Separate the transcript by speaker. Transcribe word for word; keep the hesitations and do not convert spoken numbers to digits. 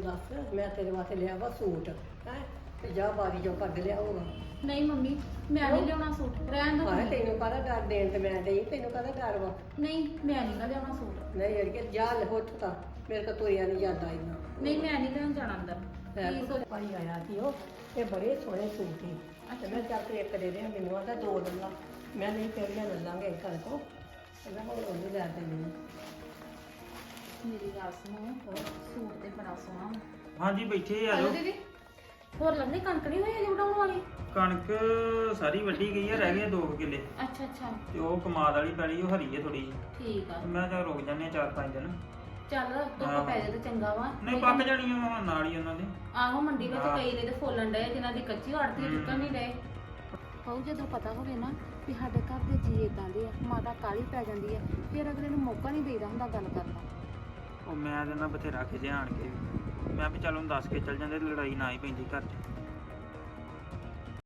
Speaker 1: ਦੱਸ ਮੈਂ ਤੇਰੇ ਵਾਸਤੇ ਲਿਆ ਵਾ ਸੂਟ ਹੈ ਤੇ ਜਾ ਬਾਰੀ ਚੋਂ ਕੱਢ ਲਿਆ ਹੋਗਾ।
Speaker 2: ਨਹੀਂ ਮੰਮੀ ਮੈਂ ਨਹੀਂ ਲਿਆਉਣਾ ਸੂਟ, ਰਹਿਣ ਦੋ
Speaker 1: ਹਾਂ ਤੈਨੂੰ ਕਾਹਦਾ ਡਰ ਦੇਣ ਤੇ ਮੈਂ ਦੇਈ, ਤੈਨੂੰ ਕਾਹਦਾ ਡਰ ਵਾ?
Speaker 2: ਨਹੀਂ ਮੈਂ ਨਹੀਂ ਲਿਆਉਣਾ ਸੂਟ।
Speaker 1: ਨਹੀਂ ਅੜਕੇ ਜਾ ਲੈ ਉੱਠ ਤਾਂ ਮੇਰੇ ਕੋਲ ਤੁਰਿਆ ਨਹੀਂ ਜਾਂਦਾ ਇੰਨਾ।
Speaker 2: ਨਹੀਂ ਮੈਂ ਨਹੀਂ ਲੈਣ ਜਾਣਾ ਅੰਦਰ। ਕੀ ਸੋਚ-
Speaker 1: ਭਾਈ ਆਇਆ ਸੀ ਉਹ ਇਹ ਬੜੇ ਸੋਹਣੇ ਸੂਟ ਸੀ। ਅੱਛਾ ਮੈਂ ਚੱਲ ਕੇ ਇੱਕ ਦੇ ਦੇ ਮੈਨੂੰ ਆਂਦਾ ਦੋ ਲੈ ਲਾ। ਮੈਂ ਨਹੀਂ ਤੇਰੀਆਂ ਲੈ ਲਾਂਗੇ ਘਰ ਕੋ ਕਹਿੰਦਾ ਹੁਣ ਉਹਨੂੰ ਲੈ ਦੇ ਮੈਨੂੰ।
Speaker 2: ਮੇਰੀ ਗੱਲ ਸੁਣੋ, ਸੂਟ ਤੇ ਬੜਾ ਸੋਹਣਾ ਵਾ।
Speaker 3: ਹਾਂਜੀ ਬੈਠੇ ਆ
Speaker 2: ਹਲੋ
Speaker 3: ਜਾਓ।
Speaker 2: ਦੀਦੀ ਹੋਰ ਲੰਨੇ ਕਣਕ ਨਹੀਂ ਹੋਈ ਅਜੇ ਵਢਾਉਣ ਵਾਲੀ?
Speaker 3: ਕਣਕ ਸਾਰੀ ਵੱਢੀ ਗਈ ਆ, ਰਹਿ ਗਏ ਦੋ ਕੁ ਕਿੱਲੇ
Speaker 2: ਅੱਛਾ ਅੱਛਾ
Speaker 3: ਤੇ ਉਹ ਕਮਾਦ ਵਾਲੀ ਪੈਲੀ ਉਹ ਹਰੀ ਹੈ ਥੋੜੀ।
Speaker 2: ਠੀਕ ਆ।
Speaker 3: ਮੈਂ ਤਾਂ ਰੁਕ ਜਾਂਦੇ ਆ ਚਾਰ ਪੰਜ ਦਿਨ।
Speaker 2: ਚੱਲ ਧੁੱਪ ਪੈ ਜਾਏ ਤੇ ਚੰਗਾ ਵਾ।
Speaker 3: ਨਹੀਂ ਪੱਕ ਜਾਣੀਆਂ ਵਾ ਨਾਲ ਹੀ ਉਹਨਾਂ ਦੇ।
Speaker 2: ਆਹੋ ਮੰਡੀ ਵਿੱਚ
Speaker 3: ਹਾਂ।
Speaker 2: ਕਈ ਨੇ ਤੇ ਫੋਲਣ ਡਏ ਜਿਨ੍ਹਾਂ ਦੀ ਕੱਚੀ ਆੜਤੀ
Speaker 3: ਹਮ।
Speaker 2: ਚੁੱਕਣ ਨਹੀਂ ਡਏ। ਹੋਊ ਜਦੋਂ ਪਤਾ ਹੋਵੇ ਨਾ ਵੀ ਸਾਡੇ ਘਰ ਦੇ ਜੀ ਇਦਾਂ ਦੇ ਆ, ਮਾਤਾ ਕਾਲੀ ਪੈ ਜਾਂਦੀ ਆ, ਫਿਰ ਅਗਲੇ ਨੂੰ ਮੌਕਾ ਨਹੀਂ ਦੇਈਦਾ ਹੁੰਦਾ ਗੱਲ ਕਰਨ ਦਾ।
Speaker 3: ਉਹ ਮੈਂ ਤੇ ਨਾ ਬਥੇਰਾ ਖਿਜੇ ਆਣ ਕੇ ਵੀ। ਮੈਂ ਵੀ ਚੱਲ ਉਹਨੂੰ ਦੱਸ ਕੇ ਚੱਲ ਜਾਂਦੇ ਤੇ ਲੜਾਈ ਨਾ ਹੀ ਪੈਂਦੀ ਘਰ 'ਚ।